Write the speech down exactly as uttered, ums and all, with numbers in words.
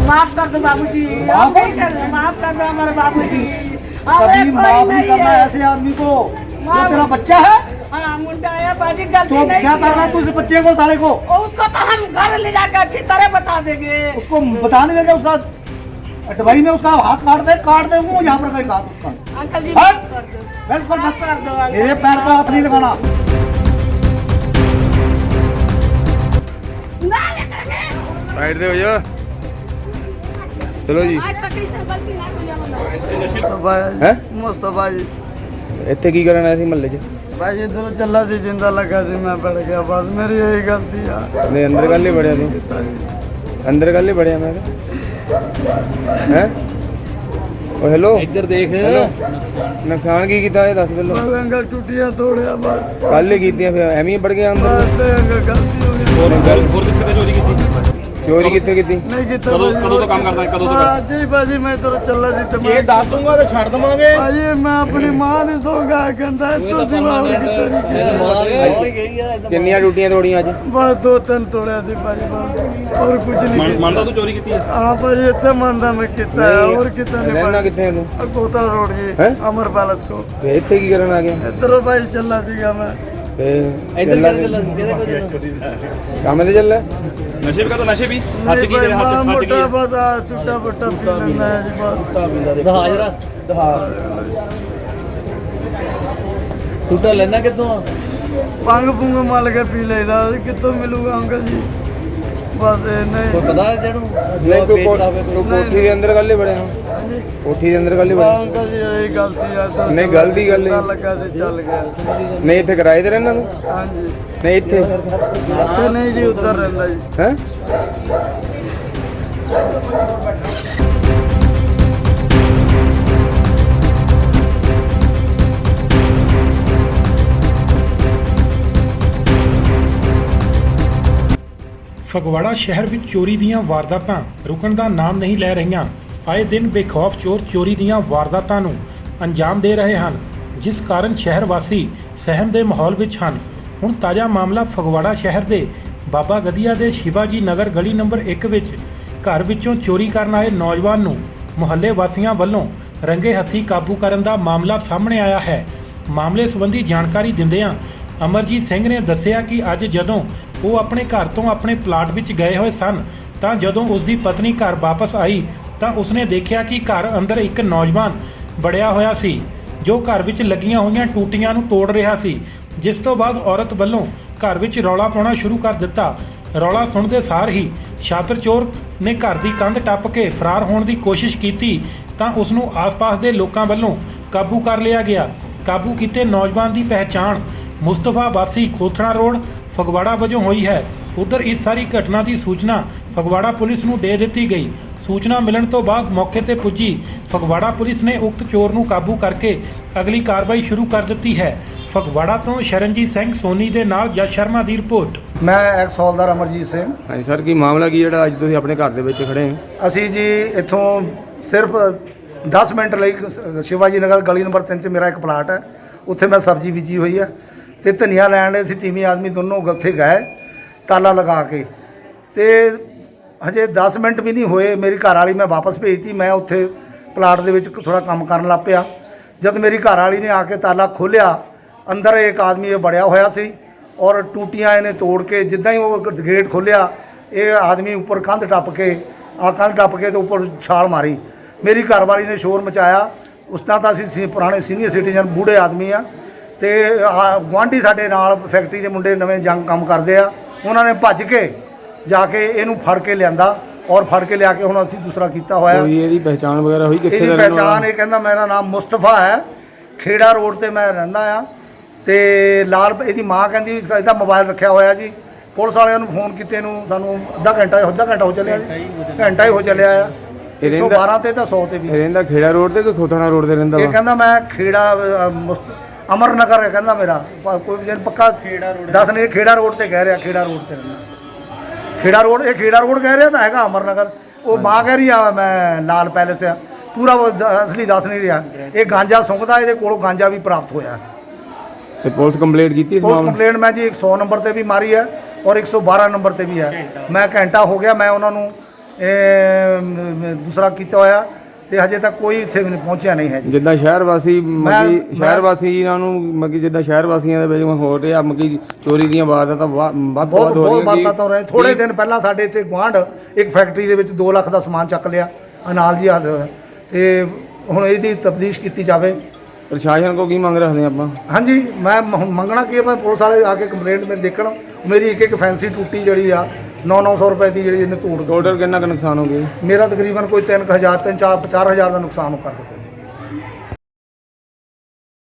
माफ कर दो बाबूजी, माफ नहीं कर रहे, माफ कर दो हमारे बाबूजी। कभी माफ नहीं करना ऐसे आदमी को। जो तेरा बच्चा है हाँ मुंडा है बाजी, गलती तो नहीं क्या किया। करना है तू इस बच्चे को साले को? और उसको तो हम घर ले जाकर अच्छी तरह बता देंगे। उसको बता नहीं देंगे, उसका अटवाई में उसका हाथ काट दे काट दे वो यहाँ पर कहीं हाथ उसका। अंकल जी हट! माफ कर दो। बिल्कुल मत माफ कर दो अंकल। मेरे पैर पे हाथ नहीं लगाना। ना लगाने। साइड दे भैया, चलो जी। आज तक किसी गलती ना कोई हमारा। मुस्तफा हैं? मुस्तफा जी ਇੱਥੇ ਕੀ ਕਰਨ ਆਏ ਸੀ ਮਹੱਲੇ 'ਚ? भाई इधर चला सी जिंदा लगा सी मैं पड़ गया बस मेरी यही गलती है। ਨਹੀਂ ਅੰਦਰ ਕੱਲ ਹੀ ਬੜਿਆ ਤੂੰ, ਅੰਦਰ ਕੱਲ ਹੀ ਬੜਿਆ ਮੈਂ ਹੈ। ਓ ਹੈਲੋ, ਇੱਧਰ ਦੇਖ। ਨੁਕਸਾਨ ਕੀ ਕੀਤਾ ਇਹ ਦੱਸ ਪਹਿਲਾਂ। बस अंकल टूटिया तोड़िया बस ਕੱਲ ਹੀ ਕੀਤੀਆਂ ਫਿਰ ਐਵੇਂ ਹੀ ਵੜ ਗਿਆ ਅੰਦਰ। बस ते अंकल गलती हो गई। ਹੋਰ ਗੱਲ ਹੋਰ ਕਿੱਥੇ ਚੋਰੀ ਕੀਤੀ? ਚੋਰੀ ਕਿੱਥੇ ਕੀਤੀ? नहीं की कदों कदों तो काम करता है कदों तो जी भाजी मैं इधर चला सी तो मैं दस दूंगा तो छाड़ दवांगे। भाजी मैं अपनी मां दी सोगा कहंदा तू सिवा और कितनी ਕਿੰਨੀਆਂ ਡਿਊਟੀਆਂ ਤੋੜੀਆਂ ਅੱਜ? बस दो तीन तोड़िया सी भाजी बस और कुछ नहीं किया। मानता तू चोरी की है? हां भाजी इतना मानदा मैं कितना है और कितना नहीं ਰਹਿਣਾ भाजी। ਕਿੱਥੇ ਹੈ ਤੂੰ? कोतल रोड जी हैं? अमर पैलेस को ਤੇ ਇੱਥੇ ਕੀ ਕਰਨ ਆ ਗਿਆ? इधर भाई चला सीगा मैं ਤੇ ਚੱਲਾ ਕੰਮ ਤੇ ਚੱਲਾ? नशे भी का तो नशे भी हाथ नहीं की भाई, तेरे हाथ माड़ा हाथ की मोटा बस आ, छुट्टा पुट्टा पी लेना है जी बस। दहा जरा दहा सूटा लेना कितों? पंग पुंग मल के पी लेदा कितों मिलूगा अंकल जी बस ये नहीं कोई पता है जेनू ਨਹੀਂ ਤੂੰ ਕੋ- ਤੂੰ ਕੋਠੀ ਦੇ ਅੰਦਰ ਕੱਲ ਹੀ ਬੜਿਆ? ਕੋਠੀ ਦੇ ਅੰਦਰ ਕੱਲ ਹੀ बस ਬੜਿਆ? अंकल जी यही गलती है तो नहीं, गलती कर ली। पता लगा से चल गया ਨਹੀਂ ਇੱਥੇ ਕਿਰਾਏ ਤੇ ਰਹਿਣਾ ਤੂੰ? हाँ जी ਨਹੀਂ ਇੱਥੇ इतने नहीं जी उधर रहता जी। ਹੈ? ਫਗਵਾੜਾ ਸ਼ਹਿਰ ਵਿੱਚ ਚੋਰੀ ਦੀਆਂ ਵਾਰਦਾਤਾਂ ਰੁਕਣ ਦਾ ਨਾਮ ਨਹੀਂ ਲੈ ਰਹੀਆਂ। ਆਏ ਦਿਨ ਬੇਖੌਫ ਚੋਰ ਚੋਰੀ ਦੀਆਂ ਵਾਰਦਾਤਾਂ ਨੂੰ ਅੰਜਾਮ ਦੇ ਰਹੇ ਹਨ, ਜਿਸ ਕਾਰਨ ਸ਼ਹਿਰ ਵਾਸੀ ਸਹਿਮ ਦੇ ਮਾਹੌਲ ਵਿੱਚ ਹਨ। ਹੁਣ ਤਾਜ਼ਾ ਮਾਮਲਾ ਫਗਵਾੜਾ ਸ਼ਹਿਰ ਦੇ ਬਾਬਾ ਗਦੀਆ ਦੇ ਸ਼ਿਵਾਜੀ ਨਗਰ ਗਲੀ ਨੰਬਰ ਇੱਕ ਵਿੱਚ ਘਰ ਵਿੱਚੋਂ ਚੋਰੀ ਕਰਨ ਆਏ ਨੌਜਵਾਨ ਨੂੰ ਮੁਹੱਲੇ ਵਾਸੀਆਂ ਵੱਲੋਂ ਰੰਗੇ ਹੱਥੀਂ ਕਾਬੂ ਕਰਨ ਦਾ ਮਾਮਲਾ ਸਾਹਮਣੇ ਆਇਆ ਹੈ। ਮਾਮਲੇ ਸੰਬੰਧੀ ਜਾਣਕਾਰੀ ਦਿੰਦਿਆਂ ਅਮਰਜੀਤ ਸਿੰਘ ਨੇ ਦੱਸਿਆ ਕਿ ਅੱਜ ਜਦੋਂ ਉਹ ਆਪਣੇ ਘਰ ਤੋਂ ਆਪਣੇ ਪਲਾਟ ਵਿੱਚ ਗਏ ਹੋਏ ਸਨ ਤਾਂ ਜਦੋਂ ਉਸ ਦੀ ਪਤਨੀ ਘਰ ਵਾਪਸ ਆਈ ਤਾਂ ਉਸਨੇ ਦੇਖਿਆ ਕਿ ਘਰ ਅੰਦਰ ਇੱਕ ਨੌਜਵਾਨ ਵੜਿਆ ਹੋਇਆ ਸੀ, ਜੋ ਘਰ ਵਿੱਚ ਲੱਗੀਆਂ ਹੋਈਆਂ ਟੂਟੀਆਂ ਨੂੰ ਤੋੜ ਰਿਹਾ ਸੀ। ਜਿਸ ਤੋਂ ਬਾਅਦ ਔਰਤ ਵੱਲੋਂ ਘਰ ਵਿੱਚ ਰੌਲਾ ਪਾਉਣਾ ਸ਼ੁਰੂ ਕਰ ਦਿੱਤਾ। ਰੌਲਾ ਸੁਣਦੇ ਸਾਰ ਹੀ ਛਾਤਰ ਚੋਰ ਨੇ ਘਰ ਦੀ ਕੰਧ ਟੱਪ ਕੇ ਫਰਾਰ ਹੋਣ ਦੀ ਕੋਸ਼ਿਸ਼ ਕੀਤੀ ਤਾਂ ਉਸ ਨੂੰ ਆਸ-ਪਾਸ ਦੇ ਲੋਕਾਂ ਵੱਲੋਂ ਕਾਬੂ ਕਰ ਲਿਆ ਗਿਆ। ਕਾਬੂ ਕੀਤੇ ਨੌਜਵਾਨ ਦੀ ਪਹਿਚਾਣ ਮੁਸਤਫਾ ਵਾਸੀ ਖੋਥਣਾ ਰੋਡ ਫਗਵਾੜਾ ਵਜੋਂ ਹੋਈ ਹੈ। ਉਧਰ ਇਸ ਸਾਰੀ ਘਟਨਾ ਦੀ ਸੂਚਨਾ ਫਗਵਾੜਾ ਪੁਲਿਸ ਨੂੰ ਦੇ ਦਿੱਤੀ ਗਈ। ਸੂਚਨਾ ਮਿਲਣ ਤੋਂ ਬਾਅਦ ਮੌਕੇ ਤੇ ਪੁੱਜੀ ਫਗਵਾੜਾ ਪੁਲਿਸ ਨੇ ਉਕਤ ਚੋਰ ਨੂੰ ਕਾਬੂ ਕਰਕੇ ਅਗਲੀ ਕਾਰਵਾਈ ਸ਼ੁਰੂ ਕਰ ਦਿੱਤੀ ਹੈ। ਫਗਵਾੜਾ ਤੋਂ ਸ਼ਰਨਜੀਤ ਸਿੰਘ ਸੋਨੀ ਦੇ ਨਾਲ ਜਸ ਸ਼ਰਮਾ ਦੀ ਰਿਪੋਰਟ। ਮੈਂ ਐਕਸ ਹੌਲਦਾਰ ਅਮਰਜੀਤ ਸਿੰਘ। ਹਾਂਜੀ ਸਰ, ਕੀ ਮਾਮਲਾ ਕੀ ਜਿਹੜਾ ਅੱਜ ਤੁਸੀਂ ਆਪਣੇ ਘਰ ਦੇ ਵਿੱਚ ਖੜੇ ਹੋ? ਅਸੀਂ ਜੀ ਇੱਥੋਂ ਸਿਰਫ ਦਸ ਮਿੰਟ ਲਈ ਸ਼ਿਵਾਜੀ ਨਗਰ ਗਲੀ ਨੰਬਰ ਤਿੰਨ 'ਚ ਮੇਰਾ ਇੱਕ ਪਲਾਟ ਹੈ, ਉੱਥੇ ਮੈਂ ਸਬਜ਼ੀ ਬੀਜੀ ਹੋਈ ਹੈ ਤੇ ਧਨੀਆ ਲੈਣ ਲਈ ਅਸੀਂ ਤੀਵੀਂ ਆਦਮੀ ਦੋਨੋਂ ਉੱਥੇ ਗਏ ਤਾਲਾ ਲਗਾ ਕੇ। ਤੇ ਹਜੇ ਦਸ ਮਿੰਟ ਵੀ ਨਹੀਂ ਹੋਏ ਮੇਰੀ ਘਰ ਵਾਲੀ ਮੈਂ ਵਾਪਸ ਭੇਜਤੀ। ਮੈਂ ਉੱਥੇ ਪਲਾਟ ਦੇ ਵਿੱਚ ਥੋੜਾ ਕੰਮ ਕਰਨ ਲੱਗ ਪਿਆ। ਜਦ ਮੇਰੀ ਘਰ ਵਾਲੀ ਨੇ ਆ ਕੇ ਤਾਲਾ ਖੋਲ੍ਹਿਆ, ਅੰਦਰ ਇੱਕ ਆਦਮੀ ਇਹ ਬੜਿਆ ਹੋਇਆ ਸੀ ਔਰ ਟੂਟੀਆਂ ਇਹਨੇ ਤੋੜ ਕੇ ਜਿੱਦਾਂ ਹੀ ਉਹ ਗੇਟ ਖੋਲ੍ਹਿਆ ਇਹ ਆਦਮੀ ਉੱਪਰ ਕੰਧ ਟੱਪ ਕੇ ਆ ਕੰਧ ਟੱਪ ਕੇ ਤੇ ਉੱਪਰ ਛਾਲ ਮਾਰੀ। ਮੇਰੀ ਘਰ ਵਾਲੀ ਨੇ ਸ਼ੋਰ ਮਚਾਇਆ। ਉਸ ਤਰ੍ਹਾਂ ਤਾਂ ਅਸੀਂ ਸੀ ਪੁਰਾਣੇ ਸੀਨੀਅਰ ਸਿਟੀਜ਼ਨ ਬੂढ़े ਆਦਮੀ ਆ ਤੇ ਗੁਆਂਢੀ ਸਾਡੇ ਨਾਲ ਫੈਕਟਰੀ ਦੇ ਮੁੰਡੇ ਨਵੇਂ ਜੰਗ ਕੰਮ ਕਰਦੇ ਆ, ਉਹਨਾਂ ਨੇ ਭੱਜ ਕੇ ਜਾ ਕੇ ਇਹਨੂੰ ਫੜ ਕੇ ਲਿਆਂਦਾ ਔਰ ਫੜ ਕੇ ਲਿਆ ਕੇ ਹੁਣ ਅਸੀਂ ਦੂਸਰਾ ਕੀਤਾ ਹੋਇਆ। ਕੋਈ ਇਹਦੀ ਪਹਿਚਾਣ ਵਗੈਰਾ ਹੋਈ ਕਿੱਥੇ ਇਹਦੀ ਦਾ ਰਹਿਣ ਵਾਲਾ? ਪਹਿਚਾਣ ਇਹ ਕਹਿੰਦਾ ਮੇਰਾ ਨਾਮ ਮੁਸਤਫਾ ਹੈ, ਖੇੜਾ ਰੋਡ ਤੇ ਮੈਂ ਰਹਿੰਦਾ ਆ ਤੇ ਲਾਲ ਇਹਦੀ ਮਾਂ ਕਹਿੰਦੀ ਇਹਦਾ ਮੋਬਾਈਲ ਰੱਖਿਆ ਹੋਇਆ ਜੀ। ਪੁਲਿਸ ਵਾਲਿਆਂ ਨੂੰ ਫੋਨ ਕੀਤੇ ਨੂੰ ਸਾਨੂੰ ਅੱਧਾ ਘੰਟਾ ਅੱਧਾ ਘੰਟਾ ਹੋ ਚੱਲਿਆ ਜੀ, ਘੰਟਾ ਹੀ ਹੋ ਚੱਲਿਆ ਆ। ਇੱਕ ਸੌ ਬਾਰਾਂ ਤੇ ਤਾਂ ਸੌ ਤੇ ਵੀ। ਇਹ ਰਹਿੰਦਾ ਖੇੜਾ ਰੋਡ ਤੇ ਕਿ ਖੋਥਣਾ ਰੋਡ ਤੇ ਰਹਿੰਦਾ ਇਹ ਵਾ? ਕਹਿੰਦਾ ਮੈਂ ਖੇੜਾ ਅ, ਮੁਸਤ- ਅਮਰ ਨਗਰ ਹੈ ਕਹਿੰਦਾ ਮੇਰਾ ਪ- ਕੋਈ ਜਨ ਪੱਕਾ ਖੇੜਾ ਰੋਡ ਦੱਸ ਨਹੀਂ ਖੇੜਾ ਰੋਡ ਤੇ ਕਹਿ ਰਿਹਾ, ਖੇੜਾ ਰੋਡ ਤੇ ਰਹਿੰਦਾ। ਖੇੜਾ ਰੋਡ ਇਹ ਖੇੜਾ ਰੋਡ ਕਹਿ ਰਿਹਾ ਤਾਂ ਹੈਗਾ ਅਮਰ ਨਗਰ। ਉਹ ਮਾਂ ਕਹਿ ਰਹੀ ਆ ਮੈਂ ਲਾਲ ਪੈਲੇਸ ਆ, ਪੂਰਾ ਉਹ ਦ- ਅਸਲੀ ਦੱਸ ਨਹੀਂ ਰਿਹਾ। ਇਹ ਗਾਂਜਾ ਸੁੰਘਦਾ, ਇਹਦੇ ਕੋਲੋਂ ਗਾਂਜਾ ਵੀ ਪ੍ਰਾਪਤ ਹੋਇਆ। ਤੇ ਪੁਲਿਸ ਕੰਪਲੇਂਟ ਕੀਤੀ ਇਸ ਪੁਲਿਸ ਮਾਮਲੇ? ਕੰਪਲੇਂਟ ਮੈਂ ਜੀ ਇੱਕ ਸੌ ਨੰਬਰ ਤੇ ਵੀ ਮਾਰੀ ਹੈ ਔਰ ਇੱਕ ਸੌ ਬਾਰਾਂ ਨੰਬਰ ਤੇ ਵੀ ਹੈ। ਮੈਂ ਘੰਟਾ ਹੋ ਗਿਆ ਮੈਂ ਉਹਨਾਂ ਨੂੰ ਇਹ, ਮ, ਦੂਸਰਾ ਕੀਤਾ ਹੋਇਆ ਤੇ ਹਜੇ ਤੱਕ ਕੋਈ ਇੱਥੇ ਵੀ ਪਹੁੰਚਿਆ ਨਹੀਂ ਹੈ ਜੀ। ਜਿੱਦਾਂ ਸ਼ਹਿਰ ਵਾਸੀ ਮੱਕੀ ਮੈਂ- ਸ਼ਹਿਰ ਵਾਸੀਆਂ ਨੂੰ ਮੱਕੀ ਜਿੱਦਾਂ ਸ਼ਹਿਰ ਵਾਸੀਆਂ ਦੇ ਵਿੱਚ ਹੋ ਰਿਹਾ ਮੱਕੀ ਚੋਰੀ ਦੀਆਂ ਵਾਰਦਾਤਾਂ ਵਾ- ਵੱਧ ਤੋਂ ਬਹੁਤ ਵੱਧ ਹੋ ਬਹੁਤ ਰਹੀਆਂ ਬਾਤਾਂ ਤੋਂ ਰਹੇ ਥੋੜੇ ਦਿਨ ਪਹਿਲਾਂ ਸਾਡੇ ਇੱਥੇ ਗੁਆਂਢ ਇੱਕ ਫੈਕਟਰੀ ਦੇ ਵਿੱਚ ਦੋ ਲੱਖ ਦਾ ਸਮਾਨ ਚੱਕ ਲਿਆ ਅਨਾਲ ਜੀ ਹਾਜ਼ਰ ਹੋਇਆ ਤੇ ਹੁਣ ਇਹਦੀ ਤਫਤੀਸ਼ ਕੀਤੀ ਜਾਵੇ। ਪ੍ਰਸ਼ਾਸਨ ਕੋ ਕੀ ਮੰਗ ਰੱਖਦੇ ਆਪਾਂ? ਹਾਂਜੀ ਮੈਂ ਮ- ਮੰਗਣਾ ਕੀ ਹੈ, ਮੈਂ ਪੁਲਿਸ ਵਾਲੇ ਆ ਕੇ ਕੰਪਲੇਂਟ ਮੇਰੇ ਦੇਖਣ ਮੇਰੀ ਇੱਕ ਇੱਕ ਫੈਂਸੀ ਟੂਟੀ ਜਿਹੜੀ ਆ ਨੌ ਨੌ ਸੌ ਰੁਪਏ ਦੀ ਜਿਹੜੀ ਇਹਨੇ ਤੋੜ ਦਿੱਤੀ। ਟੋਟਲ ਕਿੰਨਾ ਕੁ ਨੁਕਸਾਨ ਹੋ ਗਿਆ? ਮੇਰਾ ਤਕਰੀਬਨ ਕੋਈ ਤਿੰਨ ਕੁ ਹਜ਼ਾਰ ਤਿੰਨ ਚਾਰ ਚਾਰ ਹਜ਼ਾਰ ਦਾ ਨੁਕਸਾਨ ਕਰ ਦਿੱਤਾ।